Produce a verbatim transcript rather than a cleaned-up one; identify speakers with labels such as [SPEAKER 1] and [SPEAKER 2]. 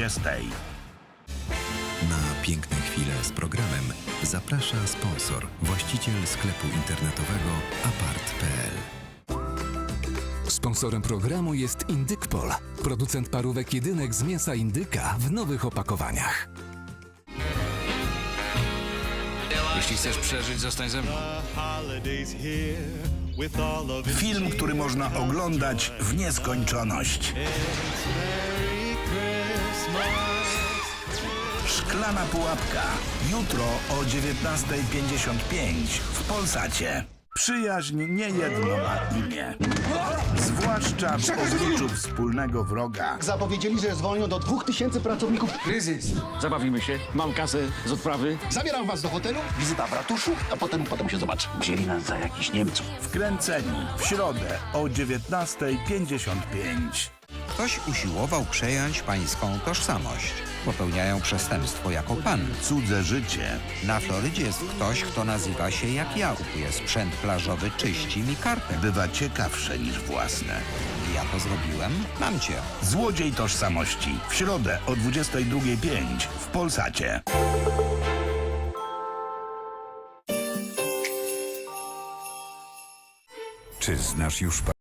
[SPEAKER 1] dwudziestej.
[SPEAKER 2] Na piękne chwile z programem zaprasza sponsor, właściciel sklepu internetowego apart kropka p l.
[SPEAKER 3] Sponsorem programu jest Indykpol, producent parówek jedynek z mięsa indyka w nowych opakowaniach.
[SPEAKER 4] Jeśli chcesz przeżyć, zostań ze mną.
[SPEAKER 1] Film, który można oglądać w nieskończoność. Szklana pułapka. Jutro o dziewiętnastej pięćdziesiąt pięć w Polsacie. Przyjaźń niejedno ma imię. Zwłaszcza w obliczu wspólnego wroga.
[SPEAKER 5] Zapowiedzieli, że zwolnią do dwóch tysięcy pracowników.
[SPEAKER 6] Kryzys. Zabawimy się. Mam kasę z odprawy.
[SPEAKER 5] Zabieram was do hotelu, wizyta w ratuszu, a potem, potem się zobaczy. Wzięli nas za jakichś Niemców.
[SPEAKER 1] Wkręceni w środę o dziewiętnastej pięćdziesiąt pięć.
[SPEAKER 7] Ktoś usiłował przejąć pańską tożsamość. Popełniają przestępstwo jako pan.
[SPEAKER 1] Cudze życie.
[SPEAKER 7] Na Florydzie jest ktoś, kto nazywa się jak ja. Kupuje sprzęt plażowy, czyści mi kartę.
[SPEAKER 1] Bywa ciekawsze niż własne.
[SPEAKER 7] Ja to zrobiłem? Mam cię.
[SPEAKER 1] Złodziej tożsamości. W środę o dwudziestej drugiej pięć w Polsacie.
[SPEAKER 2] Czy znasz już